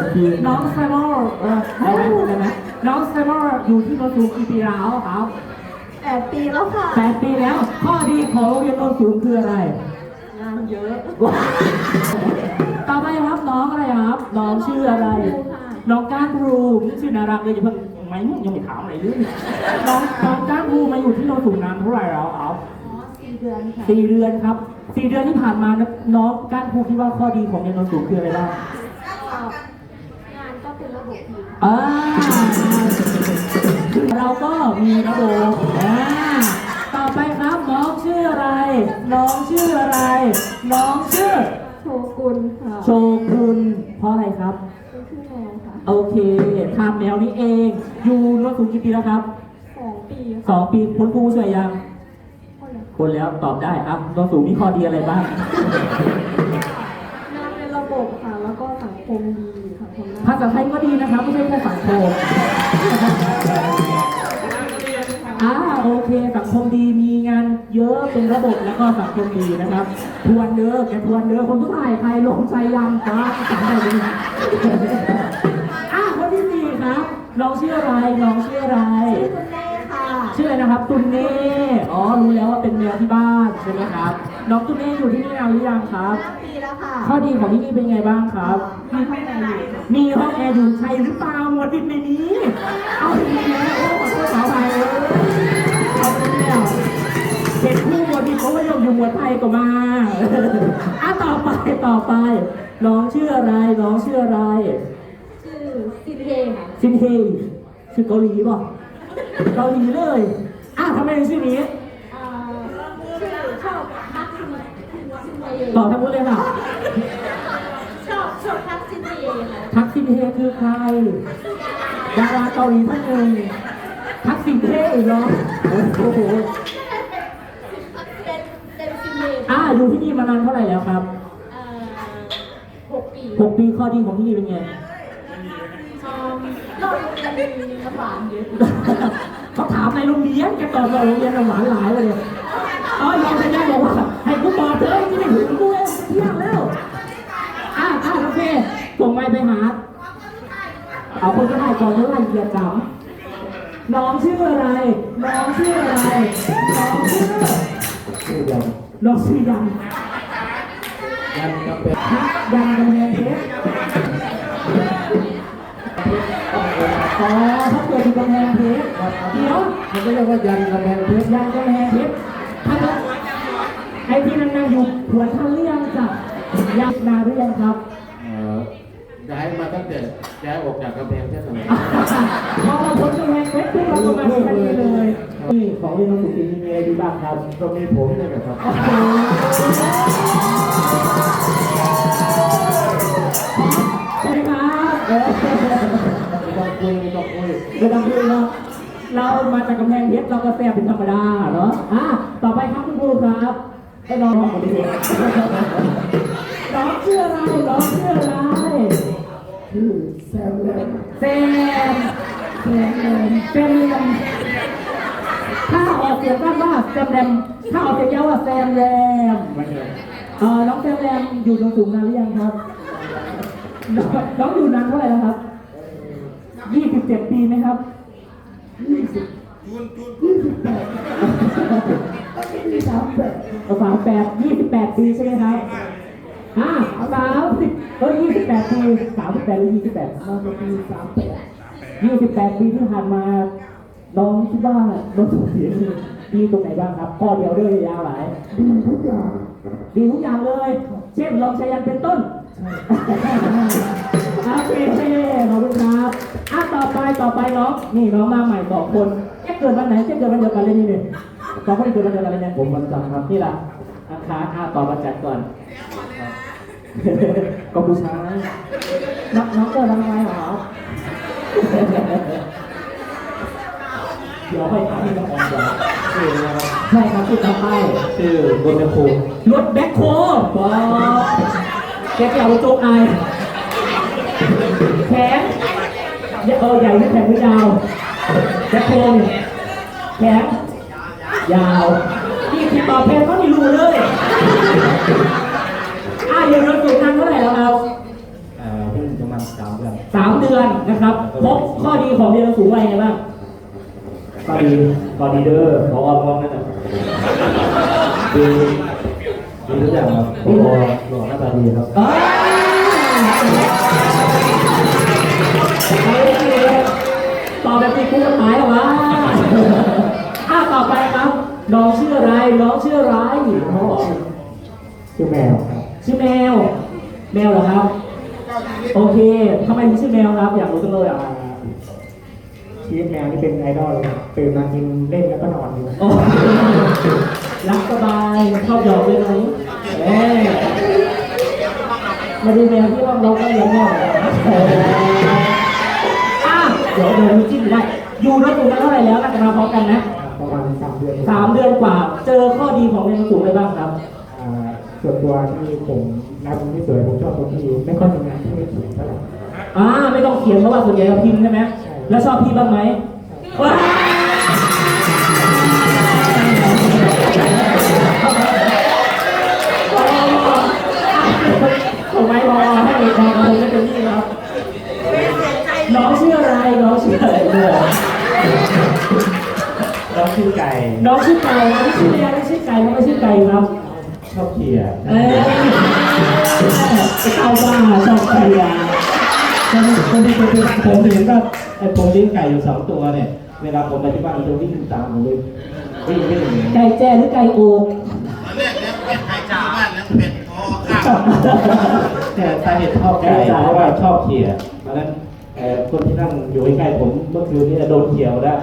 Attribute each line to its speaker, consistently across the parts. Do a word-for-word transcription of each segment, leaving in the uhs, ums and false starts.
Speaker 1: ทีน้องแซมมอร์เออได้ไหมได้ไหมน้องแซมมอร์อยู่ที่โนนสูงกี่ปีแล้วครับ
Speaker 2: แปดปีแล้วค่ะ
Speaker 1: แปดปีแล้วข้อดีของโรงเรียนโนนสูงคืออะไร
Speaker 2: งานเยอะ
Speaker 1: ต่อไปครับน้องอะไรครับน้องชื่ออะไรน้องก้านภูชื่อน่ารักเลยอย่าเพิ่งไม่ยังไม่ถามอะไรเลยน้องน้องก้านภูมาอยู่ที่โนนสูงนานเท่าไหร่แล้วครับ
Speaker 2: สี่เดือนค่ะ
Speaker 1: สี่เดือนครับสี่เดือนที่ผ่านมาน้องก้านภูคิดว่าข้อดีของโรงเรียนโนนสูงคืออะไรบ้าง
Speaker 2: งานก็เป็นระบบดี
Speaker 1: อ่าเราก็มีระบบอ่าต่อไปครับน้องชื่ออะไรน้องชื่ออะไรน้องชื่อ
Speaker 2: โชกุนค่ะ
Speaker 1: โชกุนเพราะอะไรครับ
Speaker 2: เป็นชื่อแมวค่ะ
Speaker 1: โอเคทำแมวนี้เองอยู่โนนสูงกี่ปีแล้วครับ
Speaker 2: สองปี
Speaker 1: สองปีคุณครูช่วยยังคนแล้วตอบได้ครับโนนสูงมีข้อดีอะไรบ้าง
Speaker 2: งานเป็นระบบค่ะแล้วก็สังคมดีสังคม
Speaker 1: ภาษาไทยก็ดีนะครับไม่ใช่แค่สังคมอ่าโอเคสังคมดีมีงานเยอะเป็นระบบแล้วก็สังคมดีนะครับทวนเด้อแกทวนเด้อคนทุกท่ายใครหลงใจยังครับจำได้ไหมอ่าคนที่สี่ครับน้องชื่ออะไรน้องชื่ออะไร
Speaker 2: ตุนเน่ค่ะ
Speaker 1: ชื่ออะไรนะครับตุนเน่อ๋อรู้แล้วว่าเป็นแมวที่บ้านใช่ไหมครับน้องตุนเน่อยู่ที่นี่นานหรือยังครับ
Speaker 2: ห้าปีแล้วค่ะ
Speaker 1: ข้อดีของที่นี่เป็นไงบ้างครับ
Speaker 2: มีห้องแอร์อยู่
Speaker 1: มีห้องแอร์อยู่ใช่หรือเปล่าหมดดินในนี้เอาไปแล้วโอ้ขอโทษขออภัยเลยเอาไปแล้วเห็นคู่หมดดินเขาก็ยังอยู่หมวดไทยก็มาอ่ะต่อไปต่อไปน้องชื่ออะไรน้องชื่ออะไร
Speaker 2: ชื่อซินเฮค่ะ
Speaker 1: ซินเฮชื่อเกาหลีป่ะเกาหลีเลยอ่ะทำไมถึงชื่อนี้
Speaker 2: ชื่อชอบทักซินเฮ
Speaker 1: ต่อทั้งหมดเลยค่ะ
Speaker 2: ชอบชอบทักซินเฮค่ะ
Speaker 1: ทักซินเฮคือใครดาราเกาหลีท่านหนึ่งทักซินเฮอีกเหรอโอ้โห
Speaker 2: เป็นเป็นซินเฮ
Speaker 1: อ่าอยู่ที่นี่มานานเท่าไหร่แล้วครับ
Speaker 2: หกปี
Speaker 1: หกปีข้อดีของที่นี่เป็นไง
Speaker 2: เราโรงเรียนมีน้ำหวานเยอะ
Speaker 1: เขาถามในโรงเรียนแกตอบว่าโรงเรียนน้ำหวานหลายเลยอ๋อยอมไปได้บอกว่าให้กูตอบเถอะที่ไม่ถึงกูเองเที่ยงแล้วอ่าอ่าโอเคส่งไมค์ไปหาเอาคนก็ได้ก่อนเท่าไหร่เหยียดจำน้องชื่ออะไรน้องชื่ออะไรน้องชื่อน้องชื่อยัง
Speaker 3: ยันกำแพง
Speaker 1: ยังกำแพงเพชรอ๋อถ้าเกิดอยู่กำแพงเพชรเดี๋ยว
Speaker 3: มันก็เรียกว่ายันกำแพงเพชร
Speaker 1: ยันกำแพงเพชรท่านไอ้ที่นั่งๆอยู่หัวท่านเรื่องจ้ะยังนาเรื่องครับ
Speaker 3: ย้ายมาตั้งแต่ย้ายออกจากกำแพงเพชรเลย
Speaker 1: พอเราพ้นกำแพงเพชรพวกเราก็มาที่นี่เลยนี่ของเรียนสุขีมีอะไรดีบ้างครับ
Speaker 3: ก็มีผมนี่แหละครับ
Speaker 1: ใช่ครับ
Speaker 3: ไม่ต้องคุยไม่ต้องคุย
Speaker 1: ไม่ต้องคุยเนาะเรามาจากกำแพงเพชรเราก็แซ่บเป็นธรรมดาเนาะอ่ะต่อไปครับคุณครูครับให้น้องร้องคนนี้น้องชื่ออะไรน้องชื่ออะไร
Speaker 3: ชื่อแซมแลม
Speaker 1: แซมแซมแลมแซมแลมถ้าออกเสียงว่าว่าแซมแลมถ้าออกเสียงยาวว่าแซมแลมเออน้องแซมแลมอยู่ตรงสูงนานหรือยังครับน้องอยู่นานเท่าไหร่แล้วครับยี่สิบเจ็ดปีไหมครับยี่สิบจูนจูนยี่สิบแปดสามแปดสามแปดยี่สิบแปดปีใช่ไหมครับอ่าสามสิบเออยี่สิบแปดปีสามสิบแปดหรือยี่สิบแปดมาปีสามแปดยี่สิบแปดปีที่ผ่านมาน้องคิดว่าน้องสุขีดีตรงไหนบ้างครับข้อเดียวด้วยยาวหลาย
Speaker 3: ดีทุกอย่าง
Speaker 1: ดีทุกอย่างเลยเช่นลองใช้ยันเป็นต้นโอเคขอบคุณครับอ่ะต่อไปต่อไปน้องนี่น้องมาใหม่บอกคนแค่เกิดวันไหนแค่เกิดวันเดียวกันเลยนี่เนี่ยสองคนนี้เกิดวันเดียวกันเลยเนี่ย
Speaker 3: ผมวันจันทร์ครับ
Speaker 1: นี่ล่ะอังคารอ่ะต่อวันจันทร์ก่อนก็ผู้ชายน้องน้องเกิดวันอะไรเหรอเดี๋ยวไปถามที่น้องออนก่อนใช่ครับที่ทำให้
Speaker 3: ชื่อรถแบ็คโฮ
Speaker 1: รถแบ็คโฮว้าวแกเกี่ยวโจ๊กไอแขนเออใหญ่หรือแขนหรือยาวแบ็คโฮแขนยาวนี่ที่ตอบแทนเขาไม่รู้เลยอ่ะเดี๋ยวเราสูงนานเท่าไหร่แล้วครับ
Speaker 3: อ่าเพิ่งประมาณสามเดือน
Speaker 4: ดีเดอร์พอมองนั่นน่ะดีดีทุกอย่างครับพอหล่อหน้าตาดีครับ
Speaker 1: เอ้ยตอบแบบตีคู่กันหมายเหรอวะอ้าวต่อไปครับ น้องชื่ออะไร น้องชื่ออะไรน้องบอก
Speaker 4: ชื่อแมวครับ
Speaker 1: ชื่อแมว แมวเหรอครับ โอเคทำไมถึงชื่อแมวครับ อยากรู้จังเลยอ่ะ
Speaker 4: ชีวิตแมวนี่เป็นไอดอลเลยครับตื่นมากินเล่นแล้วก็นอนอยู่
Speaker 1: โอ้รักสบายชอบหยอกเลยไหมเอ้ยมาดูแมวที่ว่าเราก็เลี้ยงแมวอ่ะเดี๋ยวเดี๋ยวมีจิ้มได้ อยู่ด้วยกันเท่าไหร่แล้วน่าจะมาพร้อมกันนะ
Speaker 4: ประมาณสามเดือน
Speaker 1: สามเดือนกว่า เจอข้อดีของแมวสูงอะไรบ้างครับ
Speaker 4: อ่าส่วนตัวที่ผมรักมันที่สวยผมชอบตรงที่ไม่ค่อยทำงานที่ไม่สวยเท่าไหร่
Speaker 1: อ่าไม่ต้องเขียนเพราะว่าส่วนใหญ่เราพิมพ์ใช่ไหมแล้วชอบพี่บ้างไหมว้าวส่งไม้รอให้รอคงไม่เป็นที่ครับน้องชื่ออะไรน้องชื่ออะไรเนี่ย
Speaker 4: น้องชื่อไก่
Speaker 1: น้องชื่อไก่น้องชื่อแมวไม่ชื่อไก่น้องไม่ชื่อไก่ครับ
Speaker 4: ชอบเขี่ย
Speaker 1: เอ้ยเอาว่าชอบไก่อะ
Speaker 4: ผมผมผมเห็นว่าไอ้ผมเลี้ยงไก่อยู่สองตัวเนี่ยเวลาผมไปที่บ้านมันจะวิ่งตามผมเลยวิ่งวิ่ง
Speaker 1: ไก่แจ้หรือไก่โอก
Speaker 3: ตอนแรกเนี่ยเป็ดไก่ชาวบ้านแล้วเป็ดพอข้าว
Speaker 4: แต่สาเหตุชอบไก่เพราะว่าชอบเขี่ยเพราะฉะนั้นเอ่อคนที่นั่งอยู่ใกล้ๆผมเมื่อคืนนี้โดนเขี่ยวแล้ว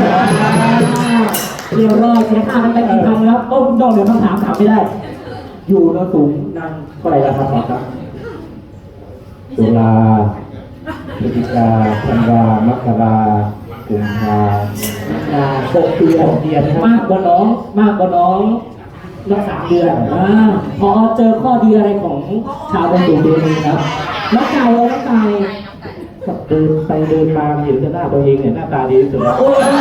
Speaker 1: เรียบร้อยเสียค่ากันไปกี่พันครับโอ้คุณดองเดี๋ยวคำถามถามไม่ได้ อยู่นสูงนานเท่าไหร่แล้วครับครับ
Speaker 4: ตุลาพฤศจิกาธันวามกรากุมภา
Speaker 1: อ่าหกเดือนเดือนมากกว่าน้องมากกว่าน้องนักสามเดือนอ่าพอเจอข้อดีอะไรของชาวเป็นสูงเดือนนี้ครับน้องไก่เอาน้องไก่
Speaker 4: เดินไปเดินมาเห็นแต่หน้าตัวเองเนี่ยหน้าตาดีที่สุดแล้ว
Speaker 1: โอ้ย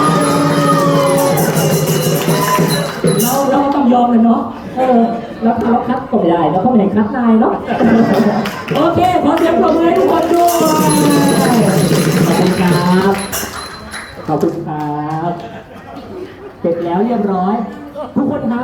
Speaker 1: เราเราต้องยอมเลยเนาะเออแล้วเขาคัดก็ไม่ได้แล้วเขาไม่ให้คัดนายเนาะโอเคขอเสียงปรบมือให้ทุกคนด้วยขอบคุณครับขอบคุณครับเสร็จแล้วเรียบร้อย ทุกคนครับ